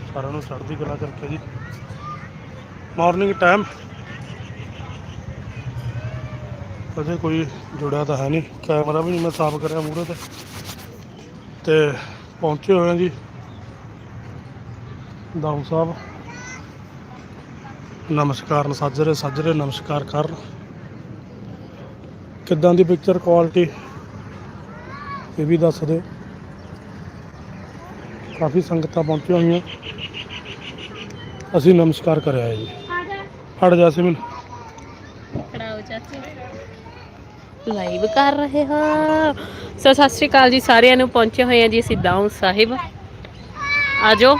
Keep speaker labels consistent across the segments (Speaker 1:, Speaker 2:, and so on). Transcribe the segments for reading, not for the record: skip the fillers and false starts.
Speaker 1: ਸਾਰਿਆਂ ਨੂੰ ਚੜ੍ਹਦੀ ਕਲਾ ਚ ਰੱਖਿਆ ਜੀ। ਮਾਰਨਿੰਗ ਟਾਈਮ ਅਜੇ ਕੋਈ ਜੁੜਿਆ ਤਾਂ ਹੈ ਨਹੀਂ, ਕੈਮਰਾ ਵੀ ਨਹੀਂ ਮੈਂ ਸਾਫ਼ ਕਰਿਆ ਮੂਹਰੇ ਤੇ ਪਹੁੰਚੇ ਹੋਏ ਹਾਂ ਜੀ ਦਾਊ ਸਾਹਿਬ। ਨਮਸਕਾਰ ਸਾਜਰੇ ਨਮਸਕਾਰ ਕਰਨ। ਕਿੱਦਾਂ ਦੀ ਪਿਕਚਰ ਕੁਆਲਿਟੀ ਇਹ ਵੀ ਦੱਸ ਦਿਓ। ਕਾਫੀ ਸੰਗਤਾਂ ਪਹੁੰਚੀਆਂ ਹੋਈਆਂ, ਅਸੀਂ ਨਮਸਕਾਰ ਕਰਿਆ ਹੈ ਜੀ। ਹਟ ਜਾ ਸਿਮਨ,
Speaker 2: ਲਾਈਵ ਕਰ ਰਹੇ ਹਾਂ। ਸਤਿ ਸ਼੍ਰੀ ਅਕਾਲ ਜੀ ਸਾਰਿਆਂ ਨੂੰ। ਪਹੁੰਚੇ ਹੋਏ ਹਾਂ ਜੀ ਅਸੀਂ ਦਾਊ ਸਾਹਿਬ। ਆ ਜਾਓ।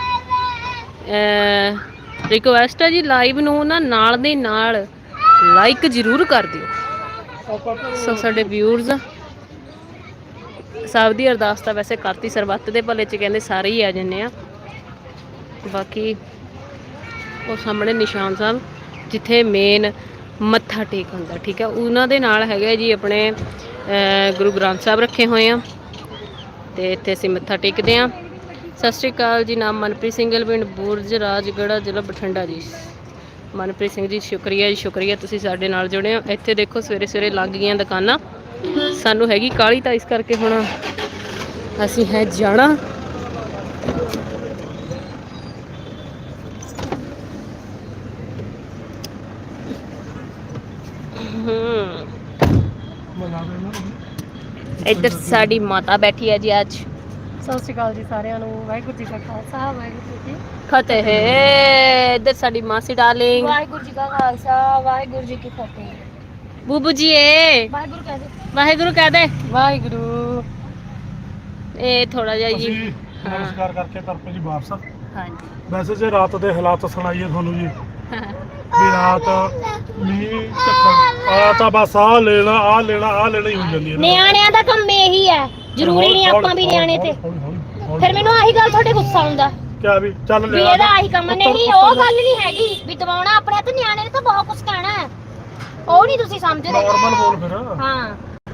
Speaker 2: ਰਿਕੁਐਸਟ ਹੈ ਜੀ, ਲਾਈਵ ਨੂੰ ਨਾ ਨਾਲ ਦੇ ਨਾਲ ਲਾਈਕ ਜ਼ਰੂਰ ਕਰ ਦਿਓ। ਸੋ ਸਾਡੇ ਵਿਊਅਰਸ ਸਭ ਦੀ ਅਰਦਾਸ ਤਾਂ ਵੈਸੇ ਕਰਤੀ, ਸਰਬੱਤ ਦੇ ਭਲੇ 'ਚ ਕਹਿੰਦੇ ਸਾਰੇ ਹੀ ਆ ਜਾਂਦੇ ਆ। ਬਾਕੀ ਉਹ ਸਾਹਮਣੇ ਨਿਸ਼ਾਨ ਸਾਹਿਬ ਜਿੱਥੇ ਮੇਨ ਮੱਥਾ ਟੇਕ ਹੁੰਦਾ, ਠੀਕ ਹੈ, ਉਹਨਾਂ ਦੇ ਨਾਲ ਹੈਗਾ ਜੀ ਆਪਣੇ ਗੁਰੂ ਗ੍ਰੰਥ ਸਾਹਿਬ ਰੱਖੇ ਹੋਏ ਆ ਅਤੇ ਇੱਥੇ ਅਸੀਂ ਮੱਥਾ ਟੇਕਦੇ ਹਾਂ। ਸਤਿ ਸ਼੍ਰੀ ਅਕਾਲ ਜੀ। ਨਾਮ ਮਨਪ੍ਰੀਤ ਸਿੰਘ, ਪਿੰਡ ਬੁਰਜ ਰਾਜਗੜ੍ਹਾ, ਜ਼ਿਲ੍ਹਾ ਬਠਿੰਡਾ ਜੀ। ਮਨਪ੍ਰੀਤ ਸਿੰਘ ਜੀ ਸ਼ੁਕਰੀਆ ਜੀ, ਸ਼ੁਕਰੀਆ ਤੁਸੀਂ ਸਾਡੇ ਨਾਲ ਜੁੜੇ ਹੋ। ਇੱਥੇ ਦੇਖੋ ਸਵੇਰੇ ਸਵੇਰੇ ਲੱਗ ਗਈਆਂ ਦੁਕਾਨਾਂ। ਸਾਨੂੰ ਹੈਗੀ ਕਾਹਲੀ ਤਾਂ ਇਸ ਕਰਕੇ ਹੁਣ ਅਸੀਂ ਹੈ ਜਾਣਾ। ਇੱਧਰ ਸਾਡੀ ਮਾਤਾ ਬੈਠੀ ਹੈ ਜੀ ਅੱਜ।
Speaker 3: ਸਤਿ ਸ਼੍ਰੀ ਅਕਾਲ ਜੀ ਸਾਰਿਆਂ ਨੂੰ। ਵਾਹਿਗੁਰੂ ਜੀ ਕਾ ਖਾਲਸਾ, ਵਾਹਿਗੁਰੂ ਜੀ ਕੀ
Speaker 2: ਫਤਿਹ ਹੈ। ਇੱਧਰ ਸਾਡੀ ਮਾਸੀ ਡਾਰਲਿੰਗ।
Speaker 3: ਵਾਹਿਗੁਰੂ ਜੀ ਕਾ ਖਾਲਸਾ, ਵਾਹਿਗੁਰੂ ਜੀ ਕੀ ਫਤਿਹ।
Speaker 2: ਬੂਬੂ ਜੀ ਏ
Speaker 3: ਵਾਹਿਗੁਰੂ ਕਹਿ ਦੇ,
Speaker 2: ਵਾਹਿਗੁਰੂ ਕਹਿ ਦੇ।
Speaker 3: ਵਾਹਿਗੁਰੂ।
Speaker 2: ਇਹ ਥੋੜਾ ਜਿਹਾ ਜੀ
Speaker 1: ਨਮਸਕਾਰ ਕਰਕੇ ਤਰਪੇ ਜੀ ਵਾਪਸ।
Speaker 2: ਹਾਂਜੀ।
Speaker 1: ਵੈਸੇ ਜੇ ਰਾਤ ਦੇ ਹਾਲਾਤ ਸੁਣਾਈਏ ਤੁਹਾਨੂੰ ਜੀ, ਵੀ ਰਾਤ ਮੀਂਹ ਝੱਖੜ ਆ ਤਾਂ ਬਸ ਆਹ ਲੈਣਾ ਹੀ ਹੋ ਜਾਂਦੀ ਹੈ।
Speaker 3: ਨਿਆਣਿਆਂ ਦਾ ਕੰਮ ਇਹੀ ਹੈ, ਜ਼ਰੂਰੀ ਨਹੀਂ ਆਪਾਂ ਵੀ ਨਿਆਣੇ ਤੇ। ਫਿਰ ਮੈਨੂੰ ਆਹੀ ਗੱਲ ਤੁਹਾਡੇ ਗੁੱਸਾ ਆਉਂਦਾ
Speaker 1: ਕਿਆ ਵੀ ਚੱਲ
Speaker 3: ਵੀ ਇਹਦਾ ਆਹੀ ਕੰਮ ਨਹੀਂ। ਉਹ ਗੱਲ ਨਹੀਂ ਹੈਗੀ ਵੀ ਦਵਾਉਣਾ ਆਪਣੇ ਤੇ, ਨਿਆਣੇ ਨੇ ਤਾਂ ਬਹੁਤ ਕੁਝ ਕਹਿਣਾ ਹੈ, ਉਹ ਨਹੀਂ ਤੁਸੀਂ ਸਮਝਦੇ।
Speaker 1: ਨਾਰਮਲ ਬੋਲ ਫਿਰ।
Speaker 3: ਹਾਂ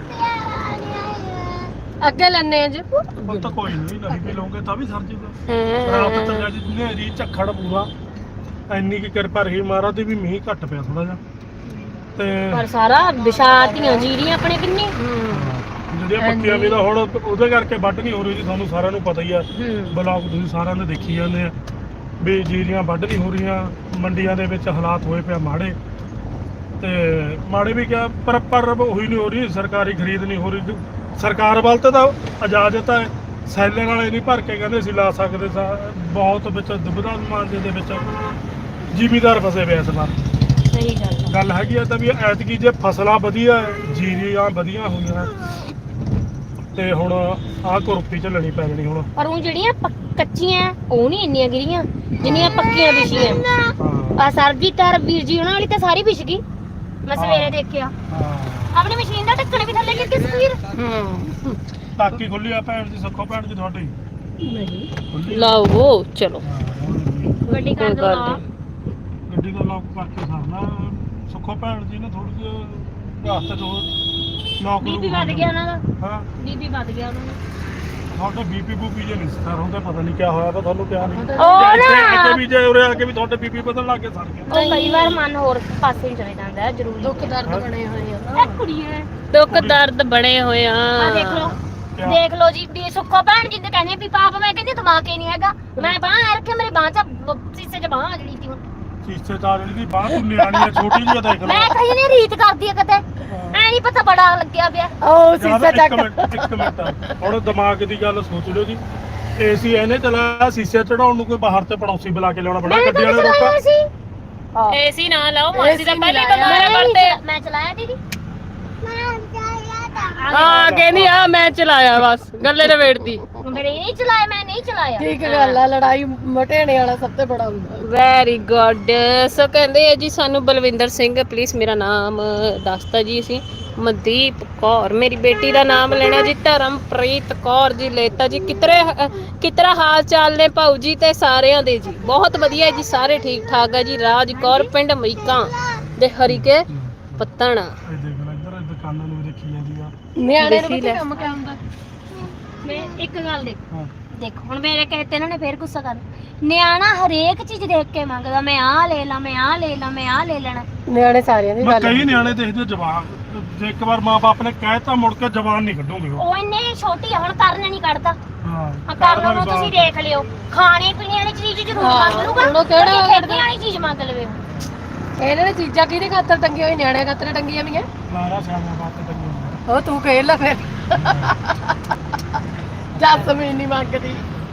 Speaker 3: ਅੱਗੇ ਲੈਣੇ ਜੀ।
Speaker 1: ਉਹ ਤਾਂ ਕੋਈ ਨਹੀਂ ਵੀ ਲਓਗੇ ਤਾਂ ਵੀ ਸਰ ਜੂਗਾ। ਰਾਤ ਤਾਂ ਜੀ ਹਨੇਰੀ ਝੱਖੜ ਪੂਰਾ, ਇੰਨੀ ਕੀ ਕਿਰਪਾ ਰਹੀ ਮਹਾਰਾਜ ਦੀ ਵੀ ਮੀਂਹ ਘੱਟ ਪਿਆ ਥੋੜਾ ਜਿਹਾ। ਤੇ
Speaker 3: ਪਰ ਸਾਰਾ ਵਿਸ਼ਾਤੀਆਂ ਜੀਰੀਆਂ ਆਪਣੇ ਕਿੰਨੀ
Speaker 1: ਜਿਹੜੀਆਂ ਪੱਕੀਆਂ ਵੀ ਤਾਂ ਹੁਣ ਉਹਦੇ ਕਰਕੇ ਵੱਢ ਨਹੀਂ ਹੋ ਰਹੀ ਜੀ। ਤੁਹਾਨੂੰ ਸਾਰਿਆਂ ਨੂੰ ਪਤਾ ਹੀ ਆ, ਬਲੌਗ ਤੁਸੀਂ ਸਾਰਿਆਂ ਨੇ ਦੇਖੀ ਜਾਂਦੇ ਆ ਵੀ ਜੀਰੀਆਂ ਵੱਢ ਨਹੀਂ ਹੋ ਰਹੀਆਂ। ਮੰਡੀਆਂ ਦੇ ਵਿੱਚ ਹਾਲਾਤ ਹੋਏ ਪਿਆ ਮਾੜੇ, ਤੇ ਮਾੜੇ ਵੀ ਕਿਹਾ ਪਰ ਉਹੀ ਨਹੀਂ ਹੋ ਰਹੀ। ਸਰਕਾਰੀ ਖਰੀਦ ਨਹੀਂ ਹੋ ਰਹੀ। ਸਰਕਾਰ ਵੱਲ ਤਾਂ ਇਜਾਜ਼ਤ ਹੈ, ਸੈਲਰ ਵਾਲੇ ਨਹੀਂ ਭਰ ਕੇ ਕਹਿੰਦੇ ਅਸੀਂ ਲਾ ਸਕਦੇ ਸਾਂ। ਬਹੁਤ ਵਿੱਚ ਦੁਬਿਧਾ ਮਾਂਜੇ ਦੇ ਵਿੱਚ ਜ਼ਿਮੀਦਾਰ ਫਸੇ ਪਏ ਇਸ ਵਾਰ।
Speaker 3: ਸਹੀ
Speaker 1: ਗੱਲ ਹੈਗੀ ਆ ਤਾਂ ਵੀ ਐਤਕੀ ਜੇ ਫਸਲਾਂ ਵਧੀਆ, ਜੀਰੀਆਂ ਵਧੀਆ ਹੋਈਆਂ ਤੇ ਹੁਣ ਆਹ ਕੁਰਪੀ ਝੱਲਣੀ ਪੈ ਜਾਣੀ ਹੁਣ।
Speaker 3: ਪਰ ਉਹ ਜਿਹੜੀਆਂ ਕੱਚੀਆਂ ਉਹ ਨਹੀਂ ਇੰਨੀਆਂ ਗਿਰੀਆਂ ਜਿੰਨੀਆਂ ਪੱਕੀਆਂ ਵਿਛੀਆਂ। ਆ ਸਰਬਜੀਤ ਔਰ ਵੀਰ ਜੀ ਉਹਨਾਂ ਵਾਲੀ ਤਾਂ ਸਾਰੀ ਵਿਛ ਗਈ, ਮੈਂ ਸਵੇਰੇ ਦੇਖਿਆ। ਆਪਣੀ ਮਸ਼ੀਨ ਦਾ ਢੱਕਣ ਵੀ ਥੱਲੇ ਗਿਰ ਗਿਆ ਸਵੀਰ।
Speaker 1: ਟਾਕੀ ਖੁੱਲੀ ਆ ਭੈਣ ਦੀ, ਸੁੱਖੋ ਭੈਣ ਦੀ ਤੁਹਾਡੀ
Speaker 3: ਨਹੀਂ
Speaker 2: ਲਾਓ ਚਲੋ
Speaker 3: ਗੱਡੀ ਕਰ ਦੋ।
Speaker 1: ਗੱਡੀ ਦਾ ਲੌਕ ਕਰਕੇ ਸਰਨਾ। ਸੁੱਖੋ ਭੈਣ ਜੀ ਨੇ ਥੋੜੀ ਜਿਹੀ ਰਾਸਤੇ ਤੋਂ ਲੌਕ
Speaker 3: ਬੀਪੀ ਵੱਧ ਗਿਆ ਉਹਨਾਂ ਦਾ।
Speaker 1: ਹਾਂ
Speaker 3: ਬੀਪੀ ਵੱਧ ਗਿਆ ਉਹਨਾਂ ਦਾ।
Speaker 1: ਤੁਹਾਡੇ ਬੀਪੀ ਬੂਪੀ ਜੇ ਨਹੀਂ ਸਰ ਹੁੰਦਾ, ਪਤਾ ਨਹੀਂ ਕਿਆ ਹੋਇਆ ਤਾਂ ਤੁਹਾਨੂੰ ਕਿਹਾ ਨਹੀਂ।
Speaker 3: ਉਹ ਨਾ
Speaker 1: ਵੀ ਜੇ ਉਰੇ ਆ ਕੇ ਵੀ ਤੁਹਾਡੇ ਬੀਪੀ ਵਧਣ ਲੱਗ ਕੇ ਸੜ ਗਿਆ।
Speaker 3: ਉਹ ਕਈ ਵਾਰ ਮਨ ਹੋਰ ਪਾਸੇ ਹੀ ਚਲੇ ਜਾਂਦਾ ਹੈ। ਜ਼ਰੂਰ ਦੁੱਖ ਦਰਦ ਬਣੇ ਹੋਏ ਆ ਇਹ ਕੁੜੀਏ।
Speaker 2: ਦੁੱਖ ਦਰਦ ਬਣੇ ਹੋਏ ਆ।
Speaker 3: ਦੇਖ ਲਓ ਜੀ ਵੀ ਸੁੱਖੋ ਭੈਣ ਜੀ ਤੇ ਕਹਿੰਦੇ ਵੀ ਪਾਪ, ਮੈਂ ਕਹਿੰਦੀ ਦਿਮਾਗ ਹੀ ਨਹੀਂ ਹੈਗਾ। ਮੈਂ ਬਾਹ ਰੱਖਿਆ, ਮੇਰੇ ਬਾਹ ਚ ਸੀਸੇ ਚ ਬਾਹ ਜਿਹੜੀ ਸੀ
Speaker 1: ਸੀਸੇ ਤਾਂ ਜਿਹੜੀ ਬਾਹ ਤੂੰ ਨਿਆਣੀ ਆ, ਛੋਟੀ ਜਿਹੀ ਆ, ਦੇਖ ਲਓ।
Speaker 3: ਮੈਂ ਕਹੀ ਨਹੀਂ ਰੀਤ ਕਰਦੀ ਆ ਕਿਤੇ, ਐ ਨਹੀਂ ਪਤਾ ਬੜਾ ਲੱਗਿਆ ਪਿਆ।
Speaker 2: ਉਹ ਸੀਸਾ ਚੱਕ।
Speaker 1: ਇੱਕ ਮਿੰਟ ਹੁਣ ਦਿਮਾਗ ਦੀ ਗੱਲ ਸੋਚ ਲਿਓ ਜੀ। ਏਸੀ ਇਹਨੇ ਚਲਾਇਆ, ਸੀਸੇ ਚੜਾਉਣ ਨੂੰ ਕੋਈ ਬਾਹਰ ਤੇ ਪੜੋਸੀ ਬੁਲਾ ਕੇ ਲਿਆਉਣਾ ਬੜਾ। ਗੱਡੀ ਵਾਲੇ ਰੋਕਾ
Speaker 2: ਏਸੀ ਨਾ ਲਾਓ, ਮਾਸੀ ਦਾ ਪਹਿਲੇ ਬਿਮਾਰ ਪੜਦੇ।
Speaker 3: ਮੈਂ ਚਲਾਇਆ ਦੀਦੀ।
Speaker 2: ਹਾਂ ਕਹਿੰਦੀ ਆ ਮੈਂ ਚਲਾਇਆ, ਬਸ ਗੱਲੇ ਰਵੇੜਦੀ।
Speaker 3: ਮੇਰੇ ਨਹੀਂ ਚਲਾਇਆ, ਮੈਂ ਨਹੀਂ ਚਲਾਇਆ।
Speaker 4: ਠੀਕ ਗੱਲ ਆ, ਲੜਾਈ ਮਟੇਣੇ ਵਾਲਾ ਸਭ ਤੋਂ ਬੜਾ ਹੁੰਦਾ।
Speaker 2: Very good. ਸੋ ਕਹਿੰਦੇ ਆ ਜੀ ਸਾਨੂੰ ਬਲਵਿੰਦਰ ਸਿੰਘ, ਪਲੀਜ਼ ਮੇਰਾ ਨਾਮ ਦੱਸਤਾ ਜੀ। ਅਸੀਂ ਮਨਦੀਪ ਕੌਰ, ਮੇਰੀ ਬੇਟੀ ਦਾ ਨਾਮ ਲੈਣਾ ਜੀ। ਧਰਮਪ੍ਰੀਤ ਕੌਰ ਜੀ ਲੈਤਾ ਜੀ। ਕਿਤਰਾ ਹਾਲ ਚਾਲ ਨੇ ਭਾਊ ਜੀ ਤੇ ਸਾਰਿਆਂ ਦੇ ਜੀ? ਬਹੁਤ ਵਧੀਆ ਜੀ, ਸਾਰੇ ਠੀਕ ਠਾਕ ਆ ਜੀ। ਰਾਜ ਕੌਰ, ਪਿੰਡ ਮਈਕਾਂ ਦੇ ਹਰੀਕੇ ਪੱਤਣ।
Speaker 1: ਦੁਕਾਨਾਂ ਨੂੰ ਦੇਖੀ ਜਾਂਦੀ ਆ।
Speaker 4: ਨਿਆਣੇ ਨੂੰ ਕੀ ਕੰਮ ਕਿਆ ਹੁੰਦਾ?
Speaker 3: ਮੈਂ ਇੱਕ ਗੱਲ ਦੇਖ, ਦੇਖੋ ਹੁਣ ਮੇਰੇ ਕਹੇ ਤੇ ਇਹਨਾਂ ਨੇ ਫੇਰ ਗੁੱਸਾ ਕਰ ਨਿਆਣਾ ਹਰੇਕ ਚੀਜ਼ ਦੇਖ ਕੇ ਮੰਗਦਾ ਮੈਂ ਆਹ ਲੈ ਲਾ ਮੈਂ ਆਹ ਲੈ ਲਾ ਮੈਂ ਆਹ ਲੈ ਲੈਣਾ
Speaker 4: ਨਿਆਣੇ ਸਾਰਿਆਂ ਦੀ
Speaker 1: ਮੈਂ
Speaker 4: ਗੱਲ
Speaker 1: ਕਈ ਨਿਆਣੇ ਦੇਖਦੇ ਜਵਾਨ ਜੇ ਇੱਕ ਵਾਰ ਮਾਂ-ਬਾਪ ਨੇ ਕਹਿਤਾ ਮੁੜ ਕੇ ਜਵਾਨ ਨਹੀਂ ਕੱਢੋਗੇ
Speaker 3: ਉਹ ਇੰਨੇ ਛੋਟੀ ਆ ਹੁਣ ਕਰਨ ਨਹੀਂ ਕੱਢਦਾ
Speaker 1: ਹਾਂ
Speaker 3: ਆ ਕਰਨ ਨੂੰ ਤੁਸੀਂ ਦੇਖ ਲਿਓ ਖਾਣੇ ਪੀਣੇ ਵਾਲੀ ਚੀਜ਼ ਜ਼ਰੂਰ ਮੰਗ ਲੂਗਾ
Speaker 4: ਹੁਣ ਉਹ ਕਿਹੜਾ
Speaker 3: ਖੇਡਣ ਵਾਲੀ ਚੀਜ਼ ਮੰਗ ਲਵੇ
Speaker 4: ਇਹਨਾਂ ਨੇ ਚੀਜ਼ਾਂ ਕਿਹਦੇ ਖਾਤਰ ਟੰਗੀਆਂ ਹੋਈ ਨਿਆਣਿਆਂ ਖਾਤਰ ਟੰਗੀਆਂ ਵੀਆਂ
Speaker 1: ਲਾਰਾ ਸਿਆਣਾ ਬਾਤ ਤੇ ਟੰਗੀ
Speaker 4: ਉਹ ਤੂੰ ਖੇਲ ਲੈ ਫਿਰ ਜਸਮੀਨ ਨਹੀਂ ਮੰਗਦੀ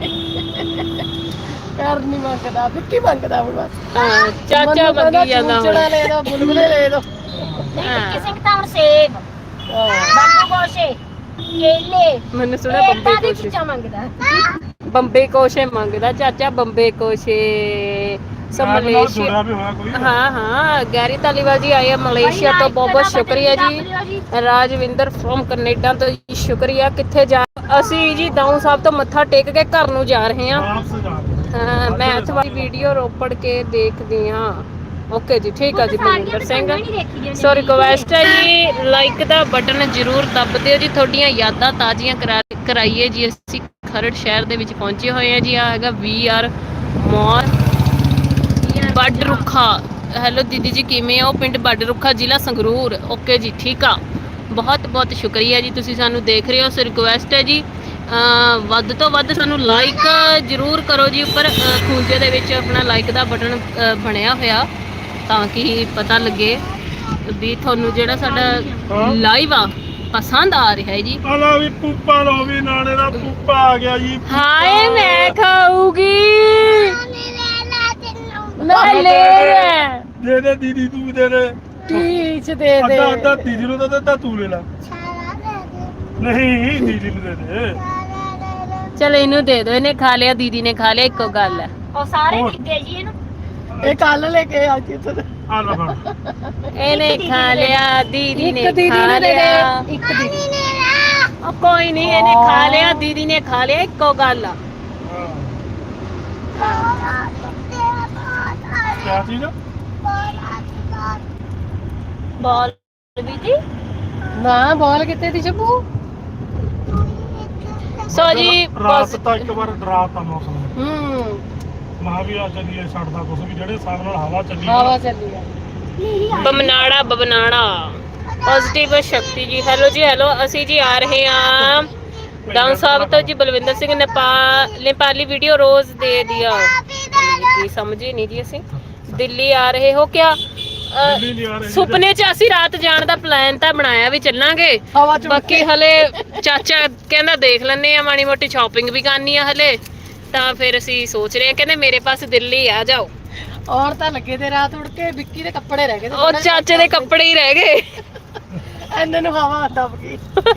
Speaker 4: ਕਰ ਨਹੀਂ ਮੰਗਦਾ ਵਿੱਕੀ ਮੰਗਦਾ ਹੁਣ ਬਸ
Speaker 2: ਹਾਂ ਚਾਚਾ ਮੰਗੀ ਜਾਂਦਾ
Speaker 4: ਚੂਚੜਾ ਲੈ ਦੋ ਬੁਲਬੁਲੇ ਲੈ ਦੋ
Speaker 3: ਕਿਸੇ ਤਾਂ ਹੁਣ ਸੇਬ ਬੰਬੂ ਗੋਸ਼ੇ ਕੇਲੇ
Speaker 2: ਮੈਨੂੰ ਸੁਣਿਆ ਬੰਬੇ
Speaker 3: ਏਦਾਂ ਦੀ
Speaker 2: ਕੋਸ਼ੇ
Speaker 3: ਚੀਜ਼ਾਂ ਮੰਗਦਾ
Speaker 2: ਬੰਬੇ ਕੋਸ਼ੇ ਮੰਗਦਾ ਚਾਚਾ ਬੰਬੇ ਕੋਸ਼ੇ ਸੋ ਮਲੇਸ਼ੀਆ
Speaker 1: ਜੁੜਿਆ ਵੀ ਹੋਇਆ ਕੋਈ
Speaker 2: हाँ हाँ गैरी तालीवाल जी आए हैं मलेशिया तो बहुत बहुत शुक्रिया जी राजविंदर फ्रॉम कनेडा तो जी शुक्रिया किथे जा ਅਸੀਂ ਜੀ ਦਾਊ ਸਾਹਿਬ ਤੋਂ ਮੱਥਾ ਟੇਕ ਕੇ ਘਰ ਨੂੰ ਜਾ ਰਹੇ ਹਾਂ
Speaker 1: ਵਾਪਸ ਜਾ ਰਹੇ
Speaker 2: ਹਾਂ ਮੈਥ ਵਾਲੀ ਵੀਡੀਓ ਰੋਪੜ ਕੇ ਦੇਖਦੀ ਹਾਂ ਓਕੇ ਜੀ ਠੀਕ ਆ ਜੀ ਮਨਿੰਦਰ ਸਿੰਘ ਸੋ ਰਿਕਵੈਸਟ ਹੈ ਜੀ ਲਾਈਕ ਦਾ ਬਟਨ ਜ਼ਰੂਰ ਦੱਬ ਦਿਓ ਜੀ ਤੁਹਾਡੀਆਂ ਯਾਦਾਂ ਤਾਜ਼ੀਆਂ ਕਰਾਈਏ ਜੀ ਅਸੀਂ ਖਰੜ ਸ਼ਹਿਰ ਦੇ ਵਿੱਚ ਪਹੁੰਚੇ ਹੋਏ ਹਾਂ ਜੀ ਆ ਹੈਗਾ VR ਮੌਲ ਬੱਡ ਰੁੱਖਾ ਹੈਲੋ ਦੀਦੀ ਜੀ ਕਿਵੇਂ ਹੋ ਪਿੰਡ ਬੱਡ ਰੁੱਖਾ ਜ਼ਿਲ੍ਹਾ ਸੰਗਰੂਰ ਓਕੇ ਜੀ ਠੀਕ ਆ ਬਹੁਤ ਬਹੁਤ ਸ਼ੁਕਰੀਆ ਜੀ ਤੁਸੀਂ ਸਾਨੂੰ ਦੇਖ ਰਹੇ ਹੋ ਸੋ ਰਿਕੁਐਸਟ ਹੈ ਜੀ ਵੱਧ ਤੋਂ ਵੱਧ ਸਾਨੂੰ ਲਾਈਕ ਜ਼ਰੂਰ ਕਰੋ ਜੀ ਉੱਪਰ ਖੂੰਜੇ ਦੇ ਵਿੱਚ ਆਪਣਾ ਲਾਈਕ ਦਾ ਬਟਨ ਬਣਿਆ ਹੋਇਆ ਤਾਂ ਕਿ ਪਤਾ ਲੱਗੇ ਵੀ ਤੁਹਾਨੂੰ ਜਿਹੜਾ ਸਾਡਾ ਲਾਈਵ ਆ ਪਸੰਦ ਆ ਰਿਹਾ ਹੈ ਜੀ
Speaker 1: ਆਲਾ ਵੀ ਪੂਪਾ ਲੋ ਵੀ ਨਾਲੇ ਦਾ ਪੂਪਾ ਆ ਗਿਆ ਜੀ
Speaker 2: ਹਾਏ ਮੈਂ ਖਾਊਗੀ ਮੈਂ ਲੈ
Speaker 1: ਦੇ ਦੇ ਦੀਦੀ ਤੂੰ ਦੇ ਦੇ
Speaker 4: ਟੀਚ ਦੇ ਦੇ
Speaker 1: ਅੱਧਾ ਅੱਧਾ ਦੀਦੀ ਨੂੰ ਤਾਂ ਅੱਧਾ ਤੂੰ ਲੈ ਲੈ ਨਹੀਂ ਦੀਦੀ ਨੂੰ ਦੇ ਦੇ
Speaker 2: ਚਲ ਇਹਨੂੰ ਦੇ ਦਿਓ ਇਹਨੇ ਖਾ ਲਿਆ ਦੀਦੀ ਨੇ ਖਾ ਲਿਆ ਇੱਕੋ ਗੱਲ ਹੈ
Speaker 3: ਉਹ ਸਾਰੇ ਦਿੱਤੇ ਜੀ ਇਹਨੂੰ
Speaker 4: ਇਹ ਕੱਲ ਲੈ ਕੇ ਆ ਜੀ ਤੂੰ
Speaker 1: ਆ ਲੈ ਫੜ
Speaker 2: ਇਹਨੇ ਖਾ ਲਿਆ ਦੀਦੀ ਨੇ
Speaker 4: ਇੱਕ ਦੀਦੀ
Speaker 2: ਖਾ
Speaker 4: ਨੂੰ ਦੇ
Speaker 2: ਲਿਆ
Speaker 4: ਦੇ ਇੱਕ ਦੀਦੀ
Speaker 2: ਉਹ ਕੋਈ ਨਹੀਂ ਇਹਨੇ ਖਾ ਲਿਆ ਦੀਦੀ ਨੇ ਖਾ ਲਿਆ ਇੱਕੋ ਗੱਲ ਆ
Speaker 1: ਕਿਆ ਚੀਜ਼
Speaker 3: ਬਾਲ ਵੀ ਜੀ
Speaker 4: ਨਾ ਬੋਲ ਕਿੱਥੇ ਦੀ ਚੱਬੂ
Speaker 2: ਸੋ ਜੀ
Speaker 1: ਰਾਤ
Speaker 2: ਬਸ
Speaker 1: ਤਾਂ ਇੱਕ ਵਾਰ ਡਰਾਤਾ ਮੌਸਮ ਨੇ
Speaker 4: ਹੂੰ
Speaker 1: ਮਹਾ ਵੀ ਆ ਚੱਲੀਏ ਛੱਡਦਾ ਕੁਛ ਵੀ ਜਿਹੜੇ ਹਿਸਾਬ ਨਾਲ ਹਵਾ ਚੱਲੀ
Speaker 4: ਹਵਾ ਚੱਲੀ ਆ
Speaker 2: ਬਮਨਾੜਾ ਪੋਜ਼ਿਟਿਵ ਸ਼ਕਤੀ ਜੀ ਹੈਲੋ ਜੀ ਹੈਲੋ ਅਸੀਂ ਜੀ ਆ ਰਹੇ ਹਾਂ ਡਾਊਨ ਸਾਹਿਬ ਤੋਂ ਜੀ ਬਲਵਿੰਦਰ ਸਿੰਘ ਨੇਪਾਲੀ ਵੀਡੀਓ ਰੋਜ਼ ਦੇ ਦਿਆ ਕੀ ਸਮਝੇ ਨਹੀਂ ਜੀ ਅਸੀਂ ਦਿੱਲੀ ਆ ਰਹੇ ਹੋ ਕਿਆ
Speaker 1: ਦਿੱਲੀ ਨਹੀਂ ਆ ਰਹੇ
Speaker 2: ਸੁਪਨੇ 'ਚ ਅਸੀਂ ਰਾਤ ਜਾਣ ਦਾ ਪਲਾਨ ਤਾਂ ਬਣਾਇਆ ਵੀ ਚੱਲਾਂਗੇ
Speaker 4: ਹਵਾ ਚ
Speaker 2: ਬਾਕੀ ਹਲੇ ਚਾਚਾ ਕਹਿੰਦਾ ਦੇਖ ਲੈਣੇ ਆ ਮਾੜੀ ਮੋਟੀ ਸ਼ਾਪਿੰਗ ਵੀ ਕਰਨੀ ਆ ਹਲੇ ਤਾਂ ਫਿਰ ਅਸੀਂ ਸੋਚ ਰਹੇ ਆ ਕਹਿੰਦੇ ਮੇਰੇ ਪਾਸ ਦਿੱਲੀ ਆ ਜਾਓ
Speaker 4: ਔਰ ਤਾਂ ਲੱਗੇ ਤੇ ਰਾਤ ਉੜ ਕੇ ਵਿੱਕੀ ਦੇ ਕੱਪੜੇ ਰਹਿ ਗਏ ਤੇ
Speaker 2: ਉਹ ਚਾਚੇ ਦੇ ਕੱਪੜੇ ਹੀ ਰਹਿ ਗਏ
Speaker 4: ਇਹਨਾਂ ਨੂੰ ਹਵਾ ਦਬ ਗਈ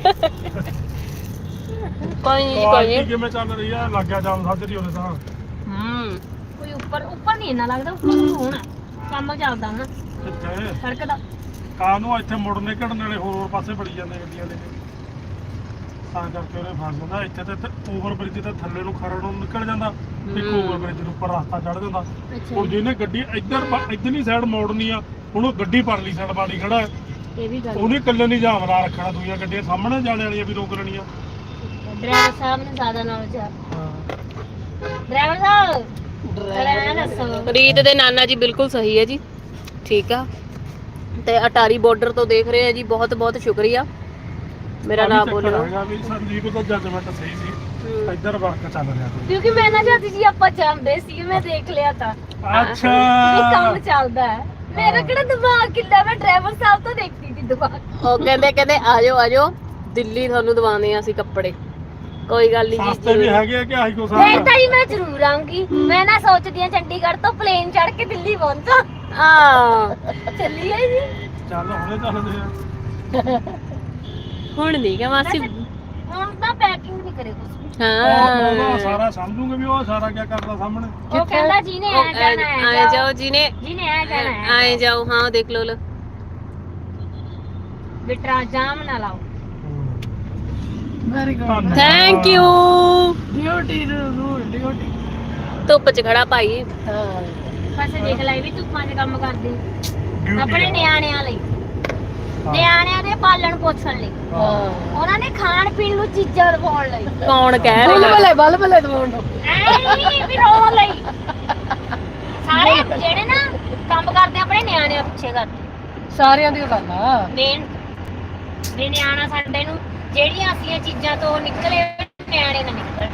Speaker 2: ਕੋਈ ਨਹੀਂ ਕੋਈ
Speaker 1: ਕੁਆਲਿਟੀ
Speaker 2: ਨਹੀਂ
Speaker 1: ਕਿਵੇਂ ਚੱਲ ਰਹੀ ਆ ਲੱਗਿਆ ਜਾਮ ਸਾਜਰੀ ਉਹਦੇ ਤਾਂ
Speaker 3: ਕੋਈ ਉੱਪਰ ਨਹੀਂ ਇੰਨਾ ਲੱਗਦਾ ਉੱਪਰ ਨੂੰ ਹੋਣਾ ਕੰਮ ਚੱਲਦਾ ਹੁਣ
Speaker 1: ਕਿੱਥੇ
Speaker 3: ਸੜਕ ਦਾ
Speaker 1: ਕਾਂ ਨੂੰ ਇੱਥੇ ਮੁੜਨੇ ਘੜਨ ਵਾਲੇ ਹੋਰ ਪਾਸੇ ਬੜੀ ਜਾਂਦੇ ਗੱਡੀਆਂ ਦੇ ਤਾਂ ਕਰਕੇ ਉਹਨੇ ਫਸ ਜਾਂਦਾ ਇੱਥੇ ਤੇ ਓਵਰ ਬ੍ਰਿਜ ਤੇ ਥੱਲੇ ਨੂੰ ਖਰੜ ਨੂੰ ਨਿਕਲ ਜਾਂਦਾ ਇੱਕ ਓਵਰ ਬ੍ਰਿਜ ਦੇ ਉੱਪਰ ਰਸਤਾ ਚੜ ਜਾਂਦਾ ਹੁਣ ਜਿਹਨੇ ਗੱਡੀ ਇੱਧਰਲੀ ਸਾਈਡ ਮੋੜਨੀ ਆ ਹੁਣ ਉਹ ਗੱਡੀ ਪਰਲੀ ਸਾਈਡ ਬਾੜੀ ਖੜਾ ਹੈ
Speaker 3: ਇਹ ਵੀ ਗੱਲ
Speaker 1: ਉਹਨੇ ਇਕੱਲੇ ਨਹੀਂ ਜਾਮ ਲਾ ਰੱਖਣਾ ਦੂਜੀਆਂ ਗੱਡੀਆਂ ਸਾਹਮਣੇ ਜਾਣ ਵਾਲੀਆਂ ਵੀ ਰੋਕ ਲੈਣੀਆਂ
Speaker 3: ਡਰਾਈਵਰ ਸਾਹਿਬ ਨੂੰ ਜ਼ਿਆਦਾ ਨੌਲੇਜ ਆ ਡਰਾਈਵਰ ਸਾਹਿਬ ਡਰਾਈਵਰ ਦੱਸੋ
Speaker 2: ਰੀਤ ਦੇ ਨਾਨਾ ਜੀ ਬਿਲਕੁਲ ਸਹੀ ਹੈ ਜੀ ਠੀਕ ਆ ਤੇ ਅਟਾਰੀ ਬਾਰਡਰ ਤੋਂ ਦੇਖ ਰਹੇ ਆ ਜੀ ਬਹੁਤ ਬਹੁਤ ਸ਼ੁਕਰੀਆ ਮੇਰਾ ਨਾਮ ਬੋਲੋ
Speaker 1: ਵੀ ਸੰਦੀਪ ਦਾ ਜੱਜਮੈਂਟ ਸਹੀ ਸੀ ਇੱਧਰ ਵਰਕ ਚੱਲ ਰਿਹਾ ਸੀ
Speaker 3: ਕਿਉਂਕਿ ਮੈਂ ਨਾ ਜਾਂਦੀ ਸੀ ਆਪਾਂ ਜਾਂਦੇ ਸੀ ਮੈਂ ਦੇਖ ਲਿਆ ਤਾਂ
Speaker 1: ਅੱਛਾ
Speaker 3: ਇਹ ਕੰਮ ਚੱਲਦਾ ਹੈ ਮੇਰਾ ਕਿਹੜਾ ਦਿਮਾਗ ਕਿੱਦਾਂ ਮੈਂ ਡਰਾਈਵਰ ਸਾਹਿਬ ਤੋਂ ਦੇਖਦੀ ਸੀ ਦਿਮਾਗ
Speaker 2: ਉਹ ਕਹਿੰਦੇ ਆਜੋ ਦਿੱਲੀ ਤੁਹਾਨੂੰ ਦਵਾਉਂਦੇ ਆ ਅਸੀਂ ਕੱਪੜੇ ਕੋਈ ਗੱਲ ਨਹੀਂ
Speaker 1: ਸਸਤੇ ਵੀ ਹੈਗੇ ਆ ਕਿ ਆਹੀ ਕੋ
Speaker 3: ਨਹੀਂ ਤਾਂ ਜੀ ਮੈਂ ਜ਼ਰੂਰ ਆਉਂਗੀ ਮੈਂ ਨਾ ਸੋਚਦੀ ਆ ਚੰਡੀਗੜ੍ਹ ਤੋਂ ਪਲੇਨ ਚੜ੍ਹ ਕੇ ਦਿੱਲੀ ਪਹੁੰਚਾਂ ਚੱਲੀਏ ਜੀ
Speaker 1: ਚੱਲ ਹੁਣੇ ਚੱਲਦੇ ਆ
Speaker 2: ਹੁਣ ਨਹੀਂ ਕਿ ਮਾਸੀ
Speaker 3: ਹੁਣ ਤਾਂ ਪੈਕਿੰਗ ਨਹੀਂ ਕਰੇ ਕੁਝ
Speaker 2: ਹਾਂ
Speaker 1: ਸਾਰਾ ਸਮਝੂਗੇ ਵੀ ਉਹ ਸਾਰਾ ਕੀ ਕਰਦਾ ਸਾਹਮਣੇ
Speaker 3: ਉਹ ਕਹਿੰਦਾ ਜਿਹਨੇ ਆ ਜਾਣਾ ਹੈ
Speaker 2: ਆਏ ਜਾਓ ਜਿਹਨੇ
Speaker 3: ਆ ਜਾਣਾ ਹੈ
Speaker 2: ਆਏ ਜਾਓ ਹਾਂ ਦੇਖ ਲੋ
Speaker 3: ਬਿਟਰਾ ਜਾਮ ਨਾ ਲਾਓ
Speaker 4: very good
Speaker 2: thank you
Speaker 4: duty rule duty
Speaker 2: ਧੁੱਪ 'ਚ ਖੜਾ ਭਾਈ
Speaker 3: ਬਸ ਦੇਖ ਲੈ ਵੀ ਤੂੰ ਪੰਜ ਕੰਮ ਕਰਦੀ ਆਪਣੇ ਨਿਆਣਿਆਂ ਲਈ ਨਿਆਣਿਆਂ ਦੇ ਪਾਲਣ ਪੋਸ਼ਣ ਲਈ, ਉਹਨਾਂ ਨੇ ਖਾਣ ਪੀਣ ਨੂੰ ਚੀਜ਼ਾਂ ਰਵਾਉਣ ਲਈ,
Speaker 2: ਕੌਣ ਕਹਿ ਰਿਹਾ
Speaker 4: ਬਲਬਲੇ ਦਵਾਉਣ ਨੂੰ
Speaker 3: ਐ ਨਹੀਂ ਵੀ ਰੋਣ ਲਈ। ਸਾਰੇ ਜਿਹੜੇ ਨਾ ਕੰਮ ਕਰਦੇ ਆਪਣੇ ਨਿਆਣਿਆਂ ਪਿੱਛੇ ਕਰਦੇ,
Speaker 4: ਸਾਰਿਆਂ ਦੀ ਗੱਲ ਆ।
Speaker 3: ਮੇਨ ਵੀ ਨਿਆਣਾ ਸਾਡੇ ਨੂੰ ਜਿਹੜੀਆਂ ਅਸੀਂ ਚੀਜ਼ਾਂ ਤੋਂ ਨਿਕਲੇ ਨਿਆਣੇ ਨਾ ਨਿਕਲਣ।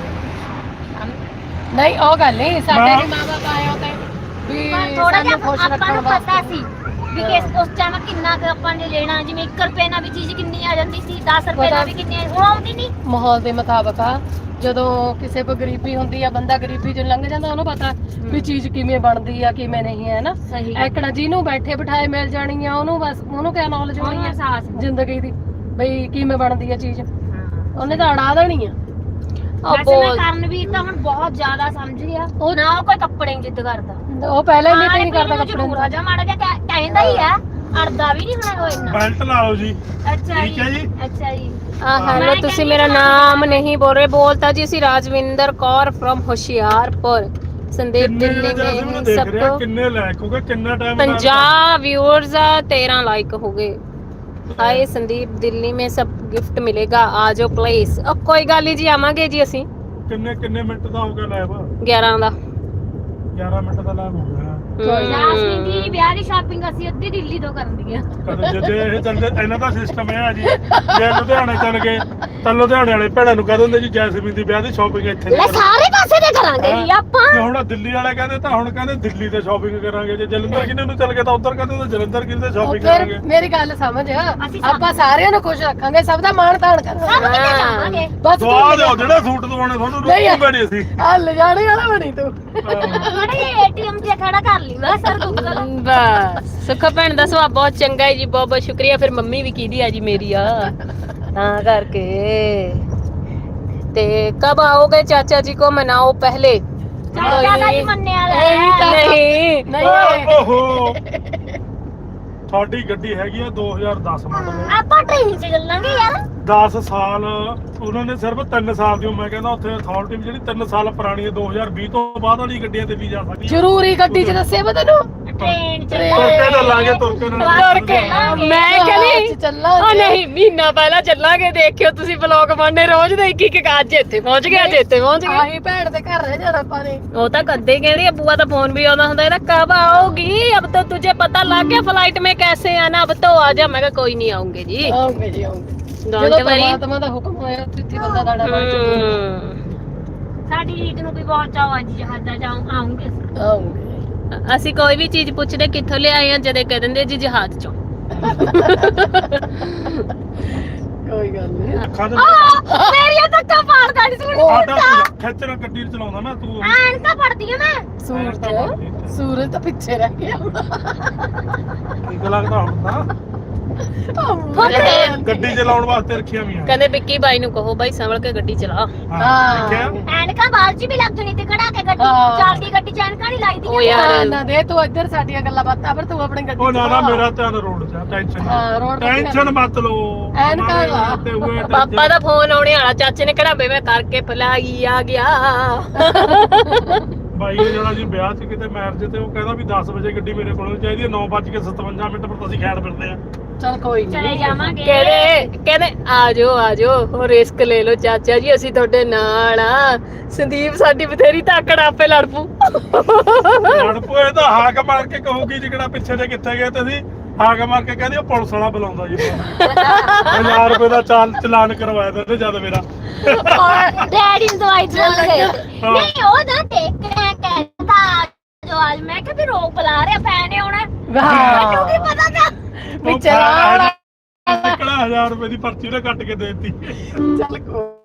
Speaker 4: ਨਹੀਂ ਉਹ ਗੱਲ ਨਹੀਂ, ਸਾਡੇ ਵੀ ਮਾਂ-ਬਾਪ ਆਏ ਹੋ ਤੇ ਵੀ
Speaker 3: ਪਰ ਥੋੜਾ
Speaker 4: ਸਾਨੂੰ
Speaker 3: ਜਿਹਾ
Speaker 4: ਖੁਸ਼
Speaker 3: ਆਪਾਂ
Speaker 4: ਰੱਖਣ
Speaker 3: ਨੂੰ
Speaker 4: ਵਾਸਤੇ।
Speaker 3: ਪਤਾ ਸੀ ਵੀ ਉਸ ਟਾਈਮ ਕਿੰਨਾ ਕੁ ਆਪਾਂ ਨੇ ਲੈਣਾ, ਜਿਵੇਂ 1 ਰੁਪਏ ਨਾਲ ਵੀ ਚੀਜ਼ ਕਿੰਨੀ ਆ ਜਾਂਦੀ ਸੀ, 10 ਰੁਪਏ ਨਾਲ ਵੀ ਕਿੰਨੀ ਹੁਣ ਆਉਂਦੀ ਨਹੀਂ।
Speaker 4: ਮਾਹੌਲ ਦੇ ਮੁਤਾਬਕ ਆ, ਜਦੋਂ ਕਿਸੇ ਕੋ ਗਰੀਬੀ ਹੁੰਦੀ ਆ, ਬੰਦਾ ਗਰੀਬੀ ਚੋਂ ਲੰਘ ਜਾਂਦਾ, ਉਹਨੂੰ ਪਤਾ ਵੀ ਚੀਜ਼ ਕਿਵੇਂ ਬਣਦੀ ਆ ਕਿਵੇਂ ਨਹੀਂ ਹੈ ਨਾ।
Speaker 3: ਸਹੀ
Speaker 4: ਐਕੜਾ ਜਿਹਨੂੰ ਬੈਠੇ ਬਿਠਾਏ ਮਿਲ ਜਾਣੀ ਆ, ਉਹਨੂੰ ਬਸ ਉਹਨੂੰ ਕਿਆ ਨੌਲੇਜ ਹੋਣੀ ਆ
Speaker 3: ਅਹਿਸਾਸ
Speaker 4: ਜ਼ਿੰਦਗੀ ਦੀ, ਬਈ ਕਿਵੇਂ ਬਣਦੀ ਆ ਚੀਜ਼, ਉਹਨੇ ਤਾਂ ਅੜਾ ਦੇਣੀ ਆ।
Speaker 3: ਵੈਸੇ ਮੈਂ ਕਰਨਵੀਰ ਤਾਂ ਹੁਣ ਬਹੁਤ ਜ਼ਿਆਦਾ ਸਮਝ ਗਿਆ, ਉਹ ਨਾ ਕੋਈ ਕੱਪੜੇ ਨਹੀਂ ਜਿੱਦ ਕਰਦਾ,
Speaker 4: ਉਹ ਪਹਿਲਾਂ ਹੀ ਨਹੀਂ ਕਰਦਾ ਕੱਪੜੇ
Speaker 3: ਜ਼ਰੂਰ ਆ ਜਾ ਮਾੜਾ ਜਿਹਾ ਕਹਿੰਦਾ ਹੀ ਆ, ਅੜਦਾ ਵੀ ਨਹੀਂ ਹੁਣ ਉਹ ਇੰਨਾ।
Speaker 1: ਬੈਲਟ ਲਾ ਲਓ ਜੀ।
Speaker 3: ਅੱਛਾ
Speaker 1: ਠੀਕ ਹੈ ਜੀ।
Speaker 3: ਅੱਛਾ ਜੀ।
Speaker 2: ਹੈਲੋ, ਤੁਸੀਂ ਮੇਰਾ ਨਾਮ ਨਹੀਂ ਬੋਲ ਰਹੇ, ਬੋਲਤਾ ਜੀ ਅਸੀਂ ਰਾਜਵਿੰਦਰ ਕੌਰ ਫਰਮ ਹੁਸ਼ਿਆਰਪੁਰ, ਸੰਦੀਪ ਦਿੱਲੀ में सबको
Speaker 1: कितने लाइक हो गए, कितना टाइम
Speaker 2: 50 व्यूअर्स, 13 लाइक हो गए। हाय संदीप, दिल्ली में सब गिफ्ट मिलेगा, आ जाओ प्लीज। अब कोई गल नहीं जी, आवांगे जी ਅਸੀਂ।
Speaker 1: किन्ने मिनट ਦਾ ਹੋ ਗਿਆ ਲਾਈਵ?
Speaker 2: 11 ਦਾ
Speaker 1: 11 ਮਿੰਟ ਦਾ ਲਾਈਵ ਹੋ ਗਿਆ।
Speaker 3: ਜਾਸਮੀਨ ਦੀ ਵਿਆਹ ਦੀ ਸ਼ਾਪਿੰਗ ਅਸੀਂ ਅੱਧੀ ਦਿੱਲੀ ਤੋਂ ਕਰਨੀ ਆ।
Speaker 1: ਕਦੇ ਜੇ ਇਹ ਚੱਲਦੇ ਇਹਨਾਂ ਦਾ ਸਿਸਟਮ ਇਹ ਆ ਜੀ, ਜੇ ਲੁਧਿਆਣੇ ਚੱਲ ਗਏ ਤਾਂ ਲੁਧਿਆਣੇ ਵਾਲੇ ਭੈਣਾਂ ਨੂੰ ਕਹਿ ਦਿੰਦੇ ਜੀ ਜੈਸਮੀਨ ਦੀ ਵਿਆਹ ਦੀ ਸ਼ਾਪਿੰਗ ਇੱਥੇ
Speaker 3: ਲੈ ਸਾਰੇ ਪਾਸੇ ਤੇ ਕਰਾਂਗੇ ਜੀ ਆਪਾਂ।
Speaker 1: ਜੇ ਹੁਣ ਦਿੱਲੀ ਵਾਲੇ ਕਹਿੰਦੇ ਤਾਂ ਹੁਣ ਕਹਿੰਦੇ ਦਿੱਲੀ ਤੇ ਸ਼ਾਪਿੰਗ ਕਰਾਂਗੇ, ਜੇ ਜਲੰਧਰ ਕਿਨੇ ਨੂੰ ਚੱਲ ਗਏ ਤਾਂ ਉੱਧਰ ਕਹਿੰਦੇ ਤਾਂ ਜਲੰਧਰ ਕਿਨੇ ਤੇ ਸ਼ਾਪਿੰਗ ਕਰਾਂਗੇ।
Speaker 4: ਮੇਰੀ ਗੱਲ ਸਮਝ, ਆਪਾਂ ਸਾਰਿਆਂ ਨੂੰ ਖੁਸ਼ ਰੱਖਾਂਗੇ, ਸਭ ਦਾ ਮਾਣ ਤਾਣ
Speaker 3: ਸਭ
Speaker 4: ਕਰਾਂਗੇ।
Speaker 3: ਕਿਤੇ ਜਾਵਾਂਗੇ।
Speaker 4: ਬਸ
Speaker 1: ਦਵਾ ਦਿਓ ਜਿਹੜਾ ਸੂਟ ਦਵਾਉਣੇ ਤੁਹਾਨੂੰ ਰੋਟੀ ਬਣੀ ਸੀ।
Speaker 4: ਆ ਲਿਜਾਣੇ ਵਾਲਾ ਬਣੀ ਤੂੰ।
Speaker 3: ਥੋੜੇ ਏਟੀਐਮ 'ਚ ਖੜਾ ਕਰ ਲਈ ਬਸ ਸਰ ਦੁੱਖ
Speaker 2: ਬਸ। ਸੁੱਖਾ ਭੈਣ ਦਾ ਸੁਭਾਅ ਬਹੁਤ ਚੰਗਾ ਹੈ ਜੀ, ਬਹੁਤ ਬਹੁਤ ਸ਼ੁਕਰੀਆ। ਫਿਰ ਮੰਮੀ ਵੀ ਕੀਦੀ ਆ ਜੀ ਮੇਰੀ ਆ, ਤਾਂ ਕਰਕੇ। ਤੇ ਕਬ आओगे ਚਾਚਾ ਜੀ को मनाओ पहले?
Speaker 3: ਚਾਚਾ ਦਾ ਹੀ ਮੰਨਿਆ ਲੈ।
Speaker 2: ਨਹੀਂ
Speaker 4: ਨਹੀਂ
Speaker 1: ਓਹੋ, ਤੁਹਾਡੀ ਗੱਡੀ ਹੈਗੀ ਆ 2010 ਮਾਡਲ,
Speaker 3: ਆਪਾਂ ਟ੍ਰੇਨ 'ਚ ਚੱਲਾਂਗੇ ਯਾਰ।
Speaker 1: 10 ਸਾਲ ਉਹਨਾਂ ਨੇ ਸਿਰਫ 3 ਸਾਲ ਦੀ, ਮੈਂ ਕਹਿੰਦਾ ਉੱਥੇ ਅਥਾਰਟੀ ਜਿਹੜੀ 3 ਸਾਲ ਪੁਰਾਣੀ ਹੈ, 2020 ਤੋਂ ਬਾਅਦ ਵਾਲੀ ਗੱਡੀਆਂ ਤੇ ਵੀ ਜਾ ਸਕਦੀ ਹੈ।
Speaker 4: ਜ਼ਰੂਰੀ ਗੱਡੀ 'ਚ ਦੱਸਿਆ ਮੈਂ ਤੈਨੂੰ,
Speaker 3: ਟ੍ਰੇਨ 'ਚ
Speaker 1: ਤੁਰ ਕੇ ਚੱਲਾਂਗੇ, ਤੁਰ ਕੇ
Speaker 2: ਤੁਰ ਕੇ। ਮੈਂ ਕਹਿੰਦੀ
Speaker 4: ਚੱਲਾਂਗੇ।
Speaker 2: ਉਹ ਨਹੀਂ, ਮਹੀਨਾ ਪਹਿਲਾਂ ਚੱਲਾਂਗੇ, ਦੇਖਿਓ ਤੁਸੀਂ ਵਲੌਗ ਬਣਨੇ ਰੋਜ਼ ਦੇ, ਇੱਕ ਇੱਕ ਅੱਜ ਇੱਥੇ ਪਹੁੰਚ ਗਿਆ, ਅੱਜ ਇੱਥੇ ਪਹੁੰਚ ਗਿਆ।
Speaker 4: ਆਹੀ ਭੈਣ ਦੇ ਘਰ ਰਹਿ ਜਾਣਾ ਆਪਾਂ ਨੇ।
Speaker 2: ਉਹ ਤਾਂ ਕਦੇ ਕਹਿੰਦੀ ਬੂਆ ਦਾ ਫੋਨ ਵੀ ਆਉਂਦਾ ਹੁੰਦਾ, ਇਹਦਾ ਕਬ आओगी, अब तो तुझे पता लग गया फ्लाइट में कैसे आना, अब तो आ जा। मैं कहा कोई नहीं आऊंगे जी,
Speaker 4: ਆਉਂਗੇ ਜੀ ਆਉਂਗੇ,
Speaker 2: डोंट
Speaker 4: ਜਦੋਂ
Speaker 2: वरी।
Speaker 4: ਪਰਮਾਤਮਾ ਦਾ ਹੁਕਮ ਹੋਇਆ ਤਿੱਥੀ ਬੰਦਾ ਦਾੜਾ ਬਣ ਚੱਲੂ।
Speaker 3: ਸਾਡੀ ਰੀਤ ਨੂੰ ਵੀ ਬਹੁਤ ਚਾਅ ਅੱਜ ਜਹਾਜ਼ਾਂ ਜਾਉਂ ਆਉਂਗੇ।
Speaker 4: ਆਉਂਗੇ
Speaker 2: ਅਸੀਂ ਕੋਈ ਵੀ ਚੀਜ਼ ਪੁੱਛਦੇ ਕਿੱਥੋਂ ਲਿਆਏ ਆ, ਜਦੇ ਕਹਿ ਦਿੰਦੇ ਜੀ ਜਹਾਜ਼ ਚੋਂ।
Speaker 4: ਕੋਈ ਗੱਲ ਨਹੀਂ।
Speaker 1: ਖਾਦ
Speaker 3: ਮੇਰੀਆਂ ਧੱਕਾ ਪਾੜਦਾ ਨਹੀਂ ਸੁਣ।
Speaker 1: ਆਟਾ ਖੇਚਰ ਗੱਡੀ ਚਲਾਉਂਦਾ ਨਾ ਤੂੰ,
Speaker 3: ਐਨ ਤਾਂ ਪੜਦੀ ਆ ਮੈਂ।
Speaker 4: ਸੂਰਜ ਤਾਂ ਪਿੱਛੇ ਰਹਿ ਗਿਆ।
Speaker 1: ਠੀਕ ਲੱਗਦਾ ਹੁਣ ਤਾਂ ਗੱਡੀ ਚਲਾਉਣ ਵਾਸਤੇ ਰੱਖੀਆਂ ਵੀ ਆ।
Speaker 2: ਕਹਿੰਦੇ ਵਿੱਕੀ ਬਾਈ ਨੂੰ ਕਹੋ ਬਾਈ ਸੰਭਲ ਕੇ ਗੱਡੀ ਚਲਾ।
Speaker 1: ਹਾਂ ਦੇਖਿਆ,
Speaker 3: ਐਨਕਾਂ ਬਾਲ 'ਚ ਵੀ ਲੱਗ ਜਣੀ ਤੇ ਖੜਾ ਕੇ ਗੱਡੀ
Speaker 4: ਹਾਂ।
Speaker 3: ਚੱਲਦੀ ਗੱਡੀ 'ਚ ਐਨਕਾਂ ਨਹੀਂ ਲਾਈਦੀ।
Speaker 2: ਉਹ ਯਾਰ
Speaker 4: ਨਾ ਦੇ ਤੂੰ ਇੱਧਰ ਸਾਡੀਆਂ ਗੱਲਾਂ ਬਾਤਾਂ, ਪਰ ਤੂੰ ਆਪਣੀ ਗੱਡੀ
Speaker 1: ਉਹ ਨਾ
Speaker 4: ਚਲਾ।
Speaker 1: ਮੇਰਾ ਧਿਆਨ ਰੋਡ 'ਚ ਆ, ਟੈਨਸ਼ਨ
Speaker 4: ਹਾਂ, road ਤੇ
Speaker 1: ਟੈਨਸ਼ਨ ਮਤ ਲਓ।
Speaker 4: ਐਨਕਾਂ ਲਾ।
Speaker 1: ਤੇ ਹੋਏ tension।
Speaker 2: ਪਾਪਾ ਦਾ ਫੋਨ ਆਉਣੇ ਵਾਲਾ, ਚਾਚੇ ਨੇ ਕਿਹੜਾ ਬੇਵੇਂ ਕਰਕੇ ਫਲਾਈ ਆ ਗਿਆ।
Speaker 1: ਬਾਈ ਨੇ ਜਾਣਾ ਜੀ ਵਿਆਹ 'ਚ ਕਿਤੇ ਮੈਰਿਜ ਤੇ, ਉਹ ਕਹਿੰਦਾ ਵੀ 10 ਵਜੇ ਗੱਡੀ ਮੇਰੇ ਕੋਲ ਚਾਹੀਦੀ ਹੈ, 9:57 ਪਰ ਤੁਸੀਂ ਖੈੜ ਫਿਰਦੇ ਆ।
Speaker 4: ਚੱਲ ਕੋਈ
Speaker 3: ਚਲੇ
Speaker 4: ਨਹੀਂ।
Speaker 3: ਜਾਵਾਂਗੇ।
Speaker 2: ਕਹਿੰਦੇ ਆ ਜਾਓ ਉਹ ਰਿਸਕ ਲੈ ਲਓ ਚਾਚਾ ਜੀ, ਅਸੀਂ ਤੁਹਾਡੇ ਨਾਲ ਆ। ਸੰਦੀਪ ਸਾਡੀ ਬਥੇਰੀ ਤਾਕੜ, ਆਪੇ ਲੜ ਪੂ।
Speaker 1: ਲੜ ਪੋਏ ਤਾਂ ਹਾਕ ਮਾਰ ਕੇ ਕਹੂਗੀ ਜਿਹੜਾ ਪਿੱਛੇ ਜੇ ਕਿੱਥੇ ਗਏ ਤੁਸੀਂ, ਹਾਕ ਮਾਰ ਕੇ ਕਹਿੰਦੀ ਉਹ ਪੁਲਿਸ ਵਾਲਾ ਬੁਲਾਉਂਦਾ ਜੀ। 1000 ਰੁਪਏ ਦਾ ਚਲਾਨ ਕਰਵਾਇਆ ਤੇ ਜਦ ਮੇਰਾ
Speaker 3: ਔਰ ਡੈਡੀ ਨੂੰ ਦਵਾਈ ਚਲ ਗਏ। ਨਹੀਂ ਉਹ ਨਾ ਕਹਿੰਦਾ ਜੋ ਅੱਜ ਮੈਂ ਕਿਹਾ ਵੀ ਰੋਕ ਬੁਲਾ ਰਿਹਾ ਪੈਨੇ ਆਉਣਾ। ਮੈਨੂੰ ਕੀ ਪਤਾ ਤਾਂ
Speaker 4: ਵੀ ਚਲਾ
Speaker 1: ਨਿਕਲਾ 1000 ਰੁਪਏ ਦੀ ਪਰਚੀ ਉਹਨੇ ਕੱਟ ਕੇ ਦੇ ਦਿੱਤੀ।
Speaker 4: ਚੱਲ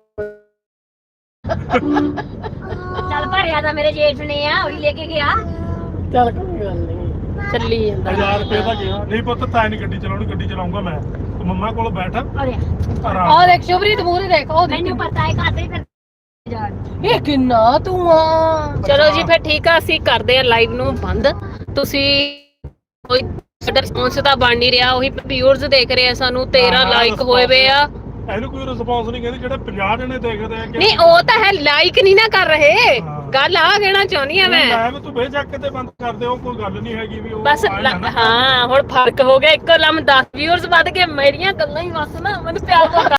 Speaker 3: ਚੱਲ ਭਰਿਆ ਤਾਂ ਮੇਰੇ ਜੇਠ ਨੇ ਆ, ਉਹੀ ਲੈ ਕੇ ਗਿਆ।
Speaker 4: ਚੱਲ ਕੋਈ ਗੱਲ ਨਹੀਂ।
Speaker 2: ਚੱਲੀ ਜਾਂਦਾ
Speaker 1: 1000 ਰੁਪਏ ਦਾ ਗਿਆ। ਨਹੀਂ ਪੁੱਤ ਤਾਂ ਨਹੀਂ ਗੱਡੀ ਚਲਾਉਣੀ, ਗੱਡੀ ਚਲਾਉਂਗਾ ਮੈਂ, ਤੂੰ ਮੰਮਾ ਕੋਲ ਬੈਠ
Speaker 3: ਅਰੇ
Speaker 1: ਆਰਾਮ।
Speaker 4: ਉਹ ਦੇਖ ਸ਼ੁਭਰੀਤ ਮੂਹਰੇ ਦੇਖ, ਉਹ ਦੇਖ।
Speaker 3: ਮੈਨੂੰ ਪਤਾ ਹੈ ਕਾਤੇ ਫਿਰ ਜਾਣ।
Speaker 4: ਇਹ ਕਿੰਨਾ ਤੂੰ ਆ।
Speaker 2: ਚਲੋ ਜੀ ਫਿਰ ਠੀਕ ਆ, ਅਸੀਂ ਕਰਦੇ ਆ ਲਾਈਵ ਨੂੰ ਬੰਦ। ਤੁਸੀਂ ਕੋਈ ਸਾਡਾ ਰਿਸਪੌਂਸ ਤਾਂ ਬਣ ਨਹੀਂ ਰਿਹਾ, ਉਹੀ ਵਿਊਅਰਸ ਦੇਖ ਰਹੇ ਆ ਸਾਨੂੰ, 13 ਲਾਈਕ ਹੋਏ ਵੇ ਆ।
Speaker 1: ਇਹਨੂੰ ਕੋਈ ਰਿਸਪੌਂਸ ਨਹੀਂ ਕਹਿੰਦੇ, ਜਿਹੜੇ 50 ਜਣੇ ਦੇਖਦੇ ਆ ਕਿ
Speaker 2: ਨਹੀਂ ਉਹ ਤਾਂ ਹੈ, ਲਾਈਕ ਨਹੀਂ ਨਾ ਕਰ ਰਹੇ।
Speaker 1: ਹਾਂ।
Speaker 2: ਗੱਲ ਆ ਕਹਿਣਾ ਚਾਹੁੰਦੀ ਆ ਮੈਂ
Speaker 1: ਮੈਂ ਤੂੰ ਬੇਸ਼ੱਕ ਤੇ ਬੰਦ ਕਰ ਦਿਓ ਕੋਈ ਗੱਲ ਨਹੀਂ ਹੈਗੀ ਵੀ ਉਹ
Speaker 2: ਬਸ ਹਾਂ ਹੁਣ ਫਰਕ ਹੋ ਗਿਆ ਇੱਕੋ ਲਮ 10 ਵਿਊਅਰਸ ਵੱਧ ਗਏ ਮੇਰੀਆਂ ਗੱਲਾਂ ਹੀ ਬਸ ਨਾ ਮੈਨੂੰ ਪਿਆਰ